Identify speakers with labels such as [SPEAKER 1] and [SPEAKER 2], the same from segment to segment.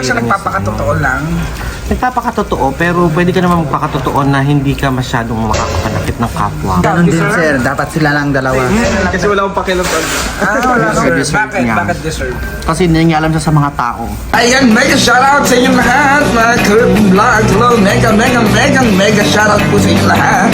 [SPEAKER 1] ba siya nagpapakatotoo lang?
[SPEAKER 2] Nagpapakatotoo, pero pwede ka naman magpakatotoo na hindi ka masyadong makakapanakit ng kapwa.
[SPEAKER 3] Ganon din sir, dapat sila lang dalawa.
[SPEAKER 4] Kasi wala akong pakialam.
[SPEAKER 1] Wala ka.
[SPEAKER 2] Deserve
[SPEAKER 1] Bakit?
[SPEAKER 2] niya.
[SPEAKER 1] Bakit deserve?
[SPEAKER 2] Kasi nangyayalam siya sa mga tao.
[SPEAKER 1] Ayan, mega shoutout sa inyong lahat, mga Curvin Vlog. Hello, mega shoutout po sa inyong lahat.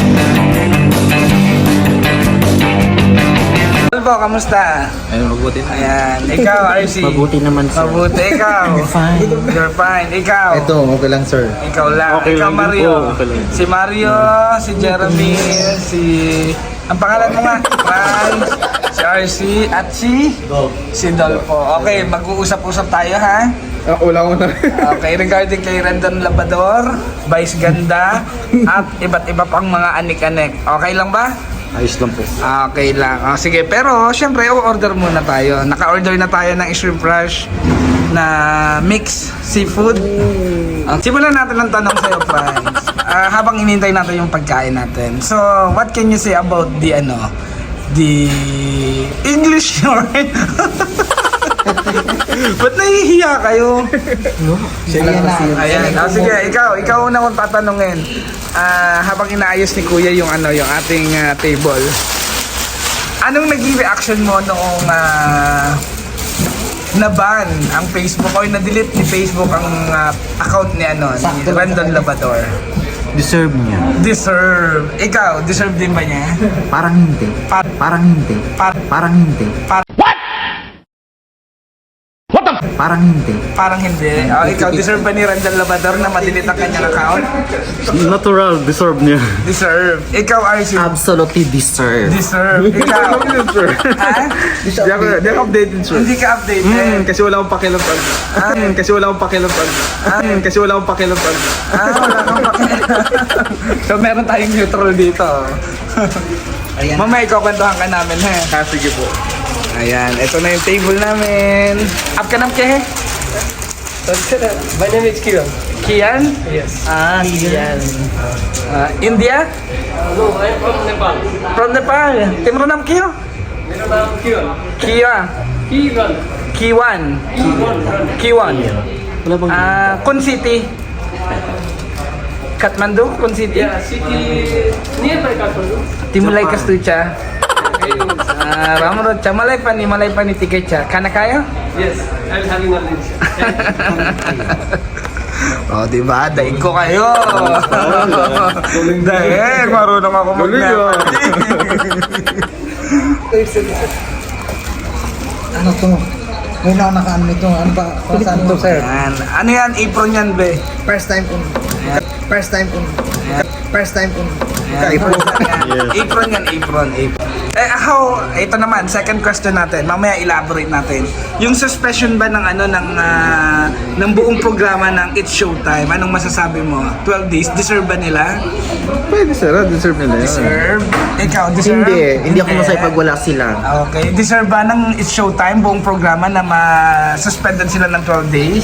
[SPEAKER 1] Albo, kamusta?
[SPEAKER 4] Ayun, mabuti na.
[SPEAKER 1] Ayan, ikaw, RC.
[SPEAKER 2] Mabuti naman, sir.
[SPEAKER 1] Mabuti, ikaw.
[SPEAKER 2] Fine.
[SPEAKER 1] You're fine. Ikaw.
[SPEAKER 3] Ito, okay lang sir.
[SPEAKER 1] Ikaw lang.
[SPEAKER 4] Okay
[SPEAKER 1] Ikaw,
[SPEAKER 4] lang din
[SPEAKER 1] Mario.
[SPEAKER 4] po, okay lang.
[SPEAKER 1] Si Mario, si Jeremy, si... Ang pangalan mo nga? Franz, si RC, at si Dolpo. Okay, mag-uusap-usap tayo, ha?
[SPEAKER 4] Wala ko na.
[SPEAKER 1] Okay, regarding kay Rendon Labador, Vice Ganda, at iba't iba pang mga anik-anik. Okay lang ba?
[SPEAKER 4] Ayos lang po.
[SPEAKER 1] Okay lang. Sige, pero syempre, order muna tayo. Naka-order na tayo ng shrimp rush na mix seafood. Simulan natin ang tanong sa'yo, Franz. Habang inintay natin yung pagkain natin. So, what can you say about the English word? Ba't nahihiya kayo? Ayan. Sige, ikaw una kong tatanungin. Habang inaayos ni Kuya yung yung ating table. Anong naging reaction mo noong na-ban ang Facebook o na-delete ni Facebook ang account ni ni Rendon Labador?
[SPEAKER 2] Deserve niya.
[SPEAKER 1] Deserve. Ikaw, deserve din ba niya?
[SPEAKER 3] Parang hindi. Parang hindi. Parang hindi. Parang hindi.
[SPEAKER 1] Parang hindi. Ikaw, deserve ba ni Rendon Labador na ma-delete ang kanyang account?
[SPEAKER 4] Natural, deserve niya.
[SPEAKER 1] Deserve. Ikaw, RC.
[SPEAKER 2] Absolutely deserve.
[SPEAKER 1] Deserve. Ikaw. Ha?
[SPEAKER 4] Di ako updated, sir.
[SPEAKER 1] Hindi ka updated.
[SPEAKER 4] Kasi wala akong pakialam. Kasi wala akong pakialam. Kasi wala akong pakialam.
[SPEAKER 1] Wala kang pakialam. So, meron tayong neutral dito. Mamaya, ikukwentuhan ka namin, ha?
[SPEAKER 4] Sige po.
[SPEAKER 1] Ayan, ito na yung table namin. Up ka ng kehe?
[SPEAKER 5] My name is Kiran.
[SPEAKER 1] Kian?
[SPEAKER 5] Yes.
[SPEAKER 1] Kian. India?
[SPEAKER 5] No, I am from Nepal.
[SPEAKER 1] From Nepal. Timro nam Kiyo?
[SPEAKER 5] मेरा नाम किरण.
[SPEAKER 1] Kia.
[SPEAKER 5] Kiran.
[SPEAKER 1] Kiwan. Kiwan.
[SPEAKER 2] Wala bang...
[SPEAKER 1] Kun City. Kathmandu, Kun City.
[SPEAKER 5] Yeah, city nearby Kathmandu.
[SPEAKER 1] Timulay Kastucha. Ramrod cha malay pa ni tiket cha. Kana kayo?
[SPEAKER 5] Yes, I'm having a lunch.
[SPEAKER 1] Oh, di ba? Daig ko kayo. Daig, marunong ako mag-Nepal.
[SPEAKER 3] Ano to? Ngayon ako naka-ano nito. Ano ba? Saan to sir?
[SPEAKER 1] Yan. Ano yan? Apron yan, be?
[SPEAKER 3] First time ko. First time ko. First time ko.
[SPEAKER 1] Apron yan. Apron. Ito naman, second question natin. Mamaya elaborate natin. Yung suspension ba ng ng buong programa ng It's Showtime, anong masasabi mo? 12 days, deserve ba nila?
[SPEAKER 4] Pwede, sir. Deserve nila yun.
[SPEAKER 1] Deserve? Ikaw, deserve?
[SPEAKER 2] Hindi ako masaya pag wala sila.
[SPEAKER 1] Okay, deserve ba ng It's Showtime buong programa na ma-suspendan sila ng 12 days?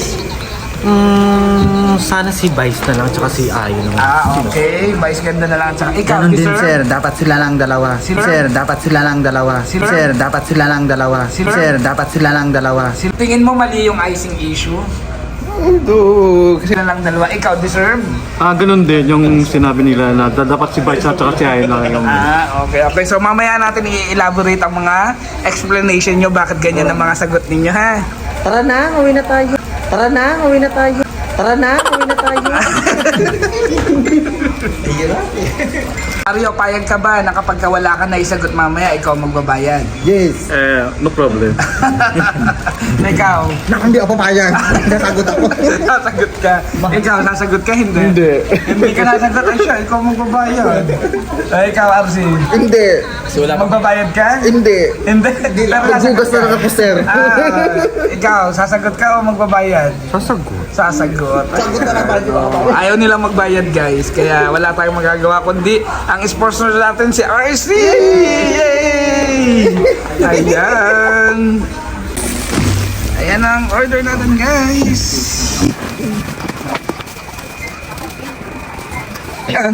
[SPEAKER 2] Sana si Vice na lang, tsaka si Ayo naman.
[SPEAKER 1] Okay. Vice Ganda na lang. Tsaka ikaw,
[SPEAKER 3] Ganon din
[SPEAKER 1] deserve?
[SPEAKER 3] sir, dapat sila lang dalawa. Sir, dapat sila lang dalawa. Sir, dapat sila lang dalawa. Sir, dapat sila lang dalawa.
[SPEAKER 1] Tingin mo mali yung icing issue?
[SPEAKER 4] Kasi
[SPEAKER 1] Sila lang dalawa. Ikaw, deserve?
[SPEAKER 4] ganun din yung sinabi nila na dapat si Vice at saka si Ayon lang yung...
[SPEAKER 1] Okay. So mamaya natin i-elaborate ang mga explanation nyo bakit ganyan ang mga sagot ninyo, ha?
[SPEAKER 2] Tara na, uwi na tayo. Tara na, uwi na tayo. Tara na, uwi na tayo.
[SPEAKER 1] Mario, payag ka ba na kapag wala ka na isagot mamaya, ikaw magbabayad?
[SPEAKER 3] Yes.
[SPEAKER 4] no problem.
[SPEAKER 1] Ikaw,
[SPEAKER 3] Hindi ako papayag. Nasagot ako.
[SPEAKER 1] sasagot ka. Ikaw, nasagot ka, hindi?
[SPEAKER 4] Hindi.
[SPEAKER 1] Hindi ka nasagot, ay siya, ikaw magbabayad. Ikaw, RC,
[SPEAKER 3] Hindi.
[SPEAKER 1] magbabayad ka?
[SPEAKER 3] Hindi.
[SPEAKER 1] Hindi. Pero
[SPEAKER 3] Maghugas na lang ako sir.
[SPEAKER 1] Ikaw, sasagot ka o magbabayad?
[SPEAKER 2] Sasagot.
[SPEAKER 1] Sasagot. Ayaw nilang magbayad, guys. Kaya wala tayong magagawa kundi ang sponsor natin si RC! Yay! Ayan. Ayan ang order natin, guys. Ayan.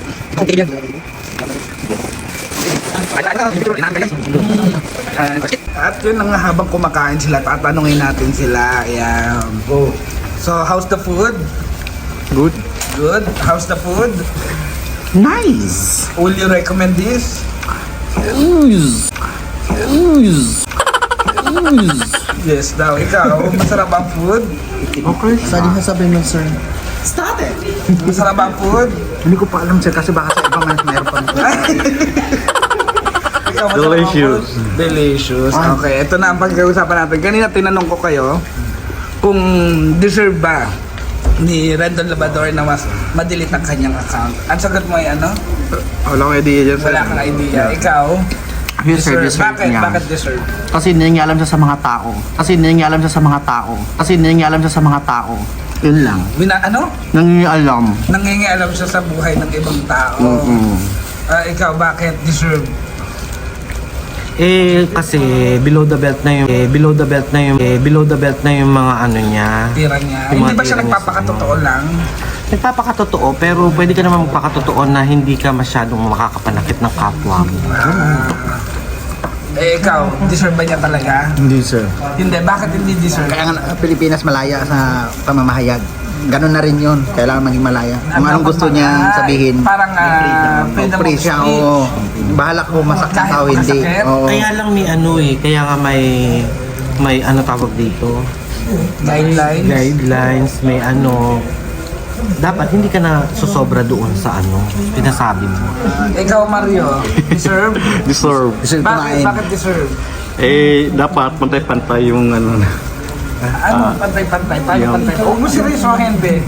[SPEAKER 1] Okay. At yun na nga, habang kumakain sila, tatanungin natin sila. Ayan. So, how's the food?
[SPEAKER 4] Good.
[SPEAKER 1] Good. How's the food?
[SPEAKER 3] Nice!
[SPEAKER 1] Will you recommend this? Yes daw. Ikaw, masarap ang food?
[SPEAKER 3] Okay. Saan yung sasabihin mo, sir?
[SPEAKER 1] Masarap ang food?
[SPEAKER 3] Hindi ko pa alam, sir, kasi baka sa ibang meron pa.
[SPEAKER 1] Ikaw, masarap ang
[SPEAKER 4] Delicious.
[SPEAKER 1] food? Delicious. Okay, ito na ang pag-uusapan natin. Kanina tinanong ko kayo kung deserve ba ni Rendon Labrador na mas madelete ang kanyang account. Ang sagot mo ay ano?
[SPEAKER 4] Wala akong idea dyan, sir.
[SPEAKER 1] Wala kang idea. Ikaw?
[SPEAKER 2] Yes, sir, deserve
[SPEAKER 1] Bakit?
[SPEAKER 2] niya.
[SPEAKER 1] Bakit deserve?
[SPEAKER 2] Kasi nangingialam siya sa mga tao. Kasi nangingialam siya sa mga tao. Kasi nangingialam siya sa mga tao. Yun lang.
[SPEAKER 1] Ano?
[SPEAKER 2] Nangingialam.
[SPEAKER 1] Nangingialam siya sa buhay ng ibang tao. Ikaw, bakit deserve?
[SPEAKER 2] Kasi below the belt na yung below the belt na yung mga ano niya.
[SPEAKER 1] Tira niya.
[SPEAKER 2] Yung mga
[SPEAKER 1] Hindi ba siya
[SPEAKER 2] tira niya
[SPEAKER 1] nagpapakatotoo lang?
[SPEAKER 2] Nagpapakatotoo, pero pwede ka naman magpakatotoo na hindi ka masyadong makakapanakit ng kapwa mo.
[SPEAKER 1] Ikaw, deserve ba niya talaga?
[SPEAKER 3] Hindi, sir.
[SPEAKER 1] Hindi. Bakit hindi deserve?
[SPEAKER 3] Kaya nga Pilipinas malaya sa pamamahayag. Ganun na rin yun. Kailangan maging malaya. Kung anong gusto niya sabihin.
[SPEAKER 1] Parang freedom of
[SPEAKER 3] Free siya,
[SPEAKER 1] speech.
[SPEAKER 3] oo. Bahala ko masakit
[SPEAKER 1] Kahit
[SPEAKER 3] tao, hindi.
[SPEAKER 1] masakit?
[SPEAKER 3] Oo.
[SPEAKER 2] Kaya lang may ano kaya nga may ano tawag dito,
[SPEAKER 1] Guidelines.
[SPEAKER 2] guidelines, may ano, dapat hindi ka na susobra doon sa ano, pinasabi mo.
[SPEAKER 1] Ikaw, Mario, deserve?
[SPEAKER 4] Deserve.
[SPEAKER 3] Deserve
[SPEAKER 1] Bakit?
[SPEAKER 3] kumain.
[SPEAKER 1] Bakit deserve?
[SPEAKER 4] Dapat pantay-pantay yung ano.
[SPEAKER 1] Ano? Pantay-pantay. Paano pantay? Huwag mo seryosohin, be.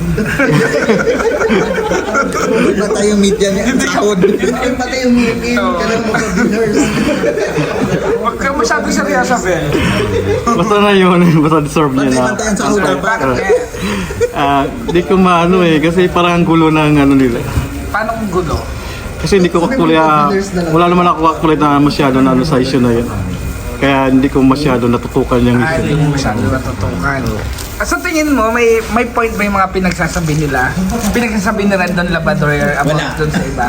[SPEAKER 3] Patay yung media niya. Sahod. Patay yung media. Ganun mo sa dinners.
[SPEAKER 1] Huwag ka masyado seryoso, be.
[SPEAKER 4] Basta na yun. Basta deserve niya na.
[SPEAKER 3] Patay ang sahod.
[SPEAKER 1] Bakit kaya?
[SPEAKER 4] Di ko maano kasi parang ang gulo ng ano nila.
[SPEAKER 1] Paano kung gulo?
[SPEAKER 4] Kasi hindi ko actually, wala naman ako actually na masyado na ano sa issue na yun. Kaya hindi ko masyado natutukan yung
[SPEAKER 1] Hindi
[SPEAKER 4] issue.
[SPEAKER 1] mo masyado natutukan. Sa tingin mo, may point ba yung mga pinagsasabi nila? Pinagsasabi ni Rendon Labrador about dun sa iba?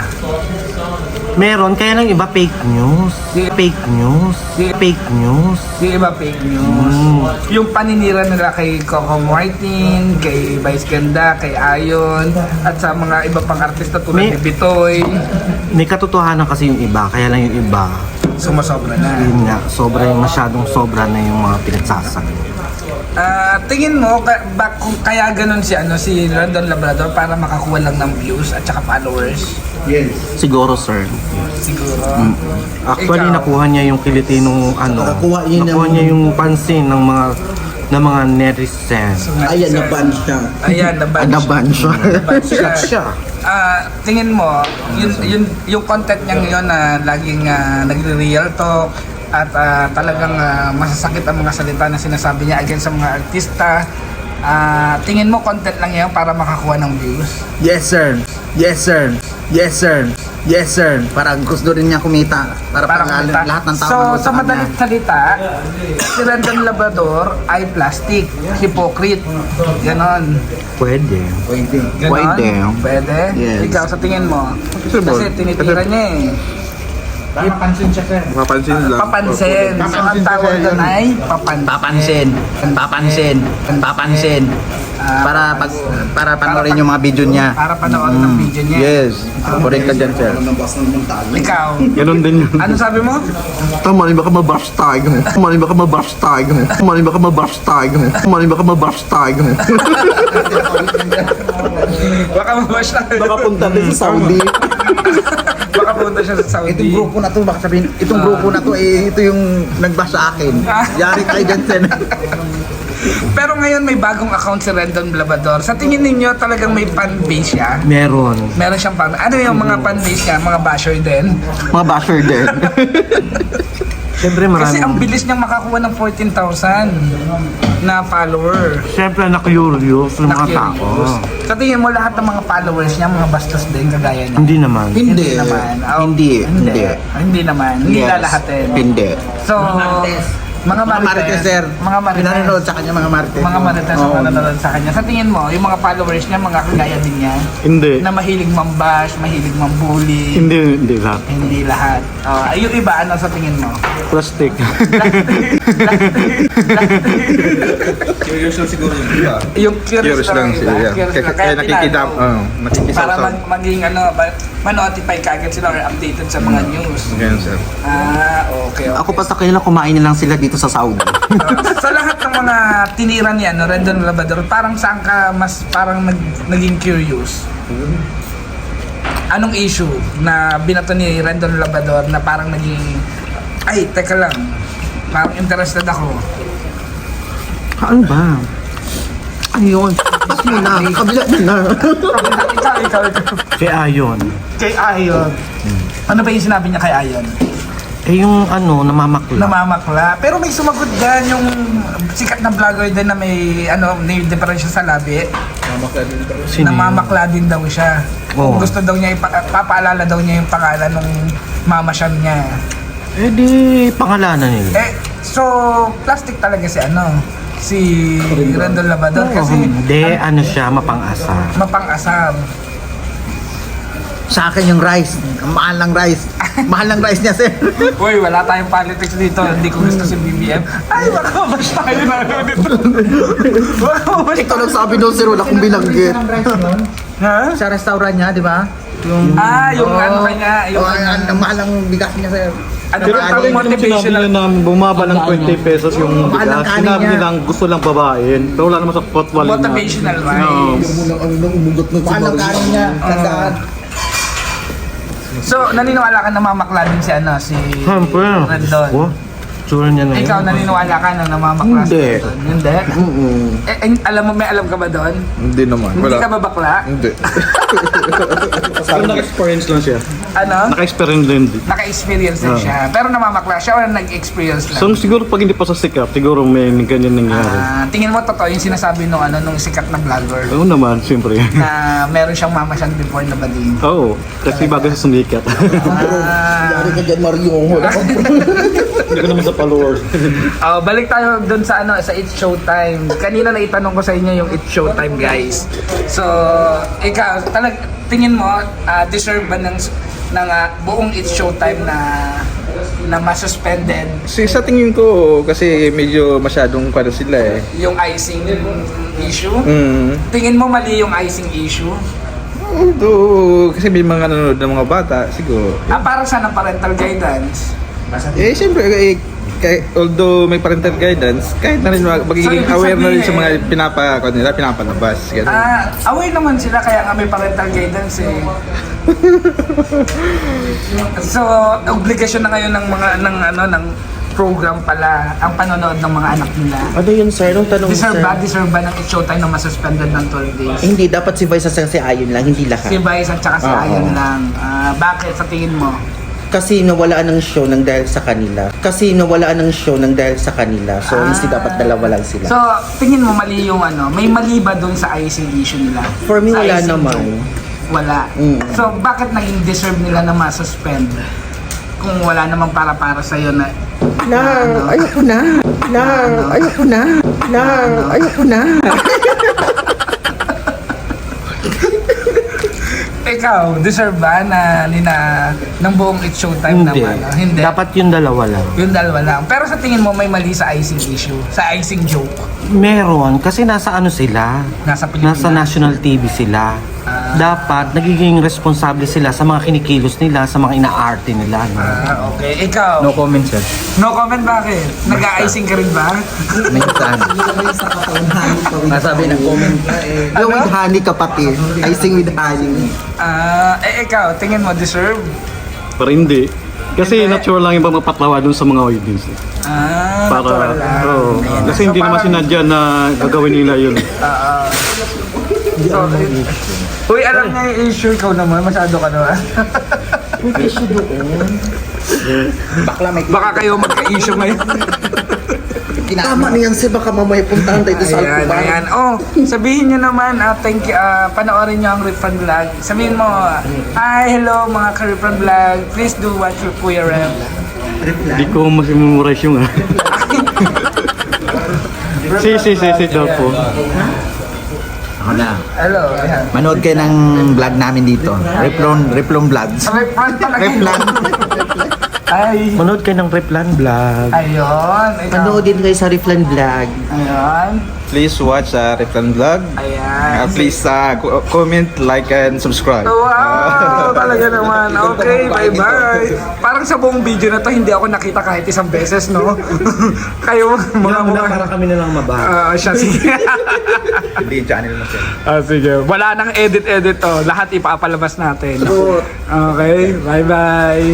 [SPEAKER 2] Meron, kaya lang iba fake news. Fake news. Fake news.
[SPEAKER 1] Yung iba fake news. Yung paninira nila kay Coco Martin, kay Vice Ganda, kay Ayon, at sa mga iba pang artista tulad ni Bitoy.
[SPEAKER 2] May katotohanan kasi yung iba, kaya lang yung iba,
[SPEAKER 1] Sumasobra na.
[SPEAKER 2] yun nga, masyadong sobra na yung mga pinagsasabi.
[SPEAKER 1] Tingin mo kung kaya ganun si Rendon Labrador para makakuha lang ng views at saka followers?
[SPEAKER 2] Siguro, sir.
[SPEAKER 1] Siguro.
[SPEAKER 2] Actually,
[SPEAKER 1] Ikaw?
[SPEAKER 2] nakuha niya yung Pilipinong ano, nakuha niya yung pansin ng mga netizens.
[SPEAKER 3] Ayan, naban siya.
[SPEAKER 1] Ayan, naban
[SPEAKER 3] Naban siya.
[SPEAKER 1] Sikat siya. Tingin mo, yung content niya ngayon na laging nagre-real talk at talagang masasakit ang mga salita na sinasabi niya against sa mga artista. Tingin mo content lang yan para makakuha ng views?
[SPEAKER 3] Yes, sir. Yes, sir. Yes, sir. Yes, sir. Parang gusto rin niya kumita. Para
[SPEAKER 1] kumita.
[SPEAKER 3] lahat ng tao
[SPEAKER 1] So,
[SPEAKER 3] manood
[SPEAKER 1] sa
[SPEAKER 3] kanya.
[SPEAKER 1] madalit salita, si Rendon Labrador ay plastic, hypocrite. Ganon.
[SPEAKER 2] Pwede.
[SPEAKER 3] Pwede.
[SPEAKER 1] Ganon?
[SPEAKER 3] Pwede.
[SPEAKER 1] Pwede?
[SPEAKER 3] Yes.
[SPEAKER 1] Ikaw, sa tingin mo? Kasi tinitira niya eh.
[SPEAKER 3] Papansin siya, sir.
[SPEAKER 4] Mapansin lang.
[SPEAKER 1] Papansin. So, ang tawag doon ay papansin.
[SPEAKER 3] Papansin. Para panoorin yung mga video niya.
[SPEAKER 1] Para panoorin ang video niya.
[SPEAKER 3] Yes. Correct ka dyan, sir.
[SPEAKER 1] Ikaw,
[SPEAKER 4] Ganun din yun.
[SPEAKER 1] ano sabi mo?
[SPEAKER 4] Mali baka mabash tayo mo. Mali baka mabash tayo mo. Mali baka mabash tayo mo. Mali baka mabash tayo mo.
[SPEAKER 1] Baka mabash na.
[SPEAKER 3] Baka punta din sa Saudi.
[SPEAKER 1] Baka punta siya sa Saudi.
[SPEAKER 3] Itong grupo na to, baka sabihin, itong grupo na to, ito yung nagbash sa akin. Yari tayo dyan, sir.
[SPEAKER 1] Pero ngayon may bagong account si Rendon Labrador. Sa tingin ninyo talagang may fan base siya?
[SPEAKER 2] Meron.
[SPEAKER 1] Meron siyang fan. Ano yung mga fan base niya? Mga basher din?
[SPEAKER 2] Mga basher din. Siyempre
[SPEAKER 1] Kasi ang
[SPEAKER 2] marami.
[SPEAKER 1] bilis niyang makakuha ng 14,000 na follower.
[SPEAKER 2] Siyempre na-curious ng mga tao.
[SPEAKER 1] Na-curious. Sa tingin mo lahat ng mga followers niya, mga bastos din kagaya niya?
[SPEAKER 2] Hindi naman.
[SPEAKER 3] Hindi.
[SPEAKER 1] naman.
[SPEAKER 3] Hindi.
[SPEAKER 1] Hindi naman. Hindi
[SPEAKER 3] Yes.
[SPEAKER 1] lalahatin.
[SPEAKER 3] Hindi.
[SPEAKER 1] So, Mga
[SPEAKER 3] Marites, sir.
[SPEAKER 1] Mga Marites.
[SPEAKER 3] Pinanonood sa kanya mga Marites.
[SPEAKER 1] Mga Marites ang
[SPEAKER 3] Oo.
[SPEAKER 1] nanonood sa kanya. Sa tingin mo, yung mga followers niya, mga kagaya din niya,
[SPEAKER 4] Hindi.
[SPEAKER 1] na mahilig mambash, mahilig mambully.
[SPEAKER 4] Hindi lahat.
[SPEAKER 1] Hindi lahat. Yung iba, ano sa tingin mo?
[SPEAKER 4] Plastic.
[SPEAKER 6] Curious lang siguro yun. Yeah.
[SPEAKER 1] Yung curious lang
[SPEAKER 6] sila.
[SPEAKER 1] iba.
[SPEAKER 6] Yeah.
[SPEAKER 1] Curious lang.
[SPEAKER 6] Kaya nakikidam,
[SPEAKER 1] tinanong.
[SPEAKER 6] nakikisaw
[SPEAKER 1] Para maging ma-notify kagad sila or updated sa mga news.
[SPEAKER 6] Ganyan, sir.
[SPEAKER 1] Okay.
[SPEAKER 2] Ako pa sa kanila, kumain na lang sila dito sa Saudi.
[SPEAKER 1] Sa lahat ng mga tinira niya, Rendon Labrador, parang saan ka mas parang naging curious? Anong issue na binato ni Rendon Labrador na parang naging, ay, teka lang, parang interested ako.
[SPEAKER 2] Ano ba? Ayun. Pas mo na. Kabila mo na.
[SPEAKER 1] ikaw.
[SPEAKER 2] Kay Ayon.
[SPEAKER 1] Kay Ayon. Ano ba yung sinabi niya kay Ayon?
[SPEAKER 2] Eh yung namamakla.
[SPEAKER 1] Namamakla. Pero may sumagot dyan yung sikat na vlogger din na may may diferensya sa labi.
[SPEAKER 2] Sino yun?
[SPEAKER 1] Namamakla din daw siya. Kung
[SPEAKER 2] Oo.
[SPEAKER 1] gusto daw niya, papaalala daw niya yung pangalan ng mama siya niya.
[SPEAKER 2] Eh di, pangalanan nila.
[SPEAKER 1] So, plastic talaga si Rendon Labrador kasi
[SPEAKER 2] Hindi, siya, mapang-asa.
[SPEAKER 1] mapang-asar.
[SPEAKER 3] Sa akin yung rice. Ang mahal ng rice. Mahal ng rice niya, sir.
[SPEAKER 1] Uy, wala tayong politics dito. Hindi ko gusto si BBM. Ay, baka mabash tayo na dito. Baka mabash
[SPEAKER 3] Ikaw nagsabi doon, sir. Wala kong binanggit.
[SPEAKER 1] Ha?
[SPEAKER 3] Sa restaurant niya, di ba? Yung
[SPEAKER 1] Yung ano kanya, yung
[SPEAKER 3] ang mahal ng bigas niya, sir.
[SPEAKER 1] ano
[SPEAKER 4] Pero
[SPEAKER 1] ba
[SPEAKER 4] parang
[SPEAKER 1] ang
[SPEAKER 4] sinabi
[SPEAKER 1] motivational?
[SPEAKER 4] nila na bumaba ng 20 pesos yung
[SPEAKER 3] Mahal ang
[SPEAKER 4] bigas.
[SPEAKER 3] kanin
[SPEAKER 4] Sinabi
[SPEAKER 3] niya.
[SPEAKER 4] nila gusto lang babain. Pero wala naman sa potwal na.
[SPEAKER 1] Motivational
[SPEAKER 4] Oo.
[SPEAKER 1] rice.
[SPEAKER 3] Mahal ng kanin niya. Tandaan.
[SPEAKER 1] So, naniniwala ka na mamakla din si
[SPEAKER 2] Siyempre.
[SPEAKER 1] Rendon?
[SPEAKER 2] Oh, tsura niya na yun.
[SPEAKER 1] Ikaw, naniniwala ka na namamakla si
[SPEAKER 2] Hindi.
[SPEAKER 1] Rendon? Hindi? May alam ka ba doon?
[SPEAKER 6] Hindi naman.
[SPEAKER 1] Hindi ka ba bakla?
[SPEAKER 6] Hindi.
[SPEAKER 4] Pero naka-experience lang siya.
[SPEAKER 1] Ano?
[SPEAKER 4] Naka-experience din.
[SPEAKER 1] Naka-experience din siya. Pero namamakla siya o nag-experience lang?
[SPEAKER 4] So siguro pag hindi pa sa sikat, siguro may ganyan nangyari.
[SPEAKER 1] Tingin mo totoo yung sinasabi nung sikat na vlogger
[SPEAKER 4] Oo naman, siyempre.
[SPEAKER 1] na meron siyang mama siyang before na bading.
[SPEAKER 4] Oo, kasi bago sa sumikat.
[SPEAKER 1] Ah,
[SPEAKER 3] ka dyan, Mario.
[SPEAKER 4] Hindi ko naman sa followers.
[SPEAKER 1] balik tayo doon sa sa It's Showtime. Kanina na itanong ko sa inyo yung It's Showtime, guys. So, ikaw, tingin mo deserve ba ng buong It's Showtime na masuspended
[SPEAKER 6] Sa tingin ko, kasi medyo masyadong para sila eh.
[SPEAKER 1] yung icing issue?
[SPEAKER 6] Mm.
[SPEAKER 1] Tingin mo mali yung icing issue?
[SPEAKER 6] Although, kasi may mga nanonood ng mga bata, siguro.
[SPEAKER 1] Para saan ang parental guidance?
[SPEAKER 6] Siyempre, although may parental guidance, kahit na rin magiging
[SPEAKER 1] So, ibig
[SPEAKER 6] aware na rin sa
[SPEAKER 1] sabihin,
[SPEAKER 6] mga pinapalabas. Ganun.
[SPEAKER 1] Aware naman sila kaya nga may parental guidance eh. So, obligasyon na ngayon ng mga ng program pala ang panonood ng mga anak nila.
[SPEAKER 2] Ano yun, sir? Nung tanong,
[SPEAKER 1] Deserve
[SPEAKER 2] sir.
[SPEAKER 1] ba ng It's Showtime na masuspended ng 12 days?
[SPEAKER 2] Hindi, dapat si Vice sa Ayon lang, hindi lahat.
[SPEAKER 1] Si Vice at saka si
[SPEAKER 2] Oo.
[SPEAKER 1] Ayan lang. Bakit sa tingin mo?
[SPEAKER 2] Kasi nawalaan ng show ng dahil sa kanila. So, hindi dapat dalawa lang sila.
[SPEAKER 1] So, tingin mo mali yung may mali ba doon sa icing issue nila?
[SPEAKER 2] For me,
[SPEAKER 1] Sa
[SPEAKER 2] wala
[SPEAKER 1] icing
[SPEAKER 2] naman.
[SPEAKER 1] joke? Wala.
[SPEAKER 2] Mm.
[SPEAKER 1] So, bakit naging deserve nila na masuspend? Kung wala namang para sa'yo na
[SPEAKER 2] Ayoko na.
[SPEAKER 1] Ikaw, deserve ba ng buong It's Showtime naman? Hindi.
[SPEAKER 2] Dapat yung dalawa lang.
[SPEAKER 1] Yung dalawa lang. Pero sa tingin mo may mali sa icing issue? Sa icing joke?
[SPEAKER 2] Meron, kasi nasa sila.
[SPEAKER 1] Nasa Pilipinas?
[SPEAKER 2] Nasa national TV sila. Dapat nagiging responsable sila sa mga kinikilos nila, sa mga ina-arte nila. No?
[SPEAKER 1] Okay. Ikaw?
[SPEAKER 3] No comment, sir.
[SPEAKER 1] No comment, bakit? Nag-icing ka rin ba?
[SPEAKER 3] Minsan. Nasabi ng comment. Yung with honey, kapatid. Icing with honey.
[SPEAKER 1] Ikaw, tingin mo deserve?
[SPEAKER 4] Pero hindi. Kasi
[SPEAKER 1] Hindi.
[SPEAKER 4] natural lang yung mapapatawa dun sa mga audience.
[SPEAKER 1] Natural lang.
[SPEAKER 4] Oo.
[SPEAKER 1] Ayan.
[SPEAKER 4] Kasi hindi
[SPEAKER 1] So,
[SPEAKER 4] naman
[SPEAKER 1] parang-
[SPEAKER 4] sinadya na gagawin nila yun.
[SPEAKER 1] So, uy, alam niya yung issue, ikaw naman, masyado ka naman.
[SPEAKER 3] Bakla may
[SPEAKER 1] Baka kayo magka-issue ngayon.
[SPEAKER 2] Tama na yan, sir. Baka mamaya puntahan tayo sa
[SPEAKER 1] Ayan, ayan. Oh, sabihin nyo naman, thank you, panoorin nyo ang Ripfan Vlog. Sabihin mo, hi, hello mga ka-Ripfan Vlog. Please do watch your Kuya Rem.
[SPEAKER 4] Hindi ko mas memorize yung Si daw po.
[SPEAKER 3] Ako na.
[SPEAKER 1] Hello. Ayan.
[SPEAKER 3] Manood kayo ng vlog namin dito. Replon Vlogs.
[SPEAKER 1] Refran talaga yun.
[SPEAKER 3] Replan.
[SPEAKER 1] Ay.
[SPEAKER 2] Manood kayo ng Replan Vlog.
[SPEAKER 1] Ayun. Ikaw.
[SPEAKER 3] Manoodin kayo sa Replan Vlog.
[SPEAKER 1] Ayan.
[SPEAKER 6] Please watch Replan Vlog.
[SPEAKER 1] Ayan.
[SPEAKER 6] Please comment, like, and subscribe.
[SPEAKER 1] Wow! Talaga naman. Okay, bye-bye. Parang sa buong video na to, hindi ako nakita kahit isang beses, no? Kayo, mga mukha.
[SPEAKER 2] Para kami na lang mababa.
[SPEAKER 1] Siya, sige.
[SPEAKER 6] Hindi yung channel mo siya.
[SPEAKER 1] Sige. Wala nang edit-edit to. Lahat ipapalabas natin. Okay, bye-bye.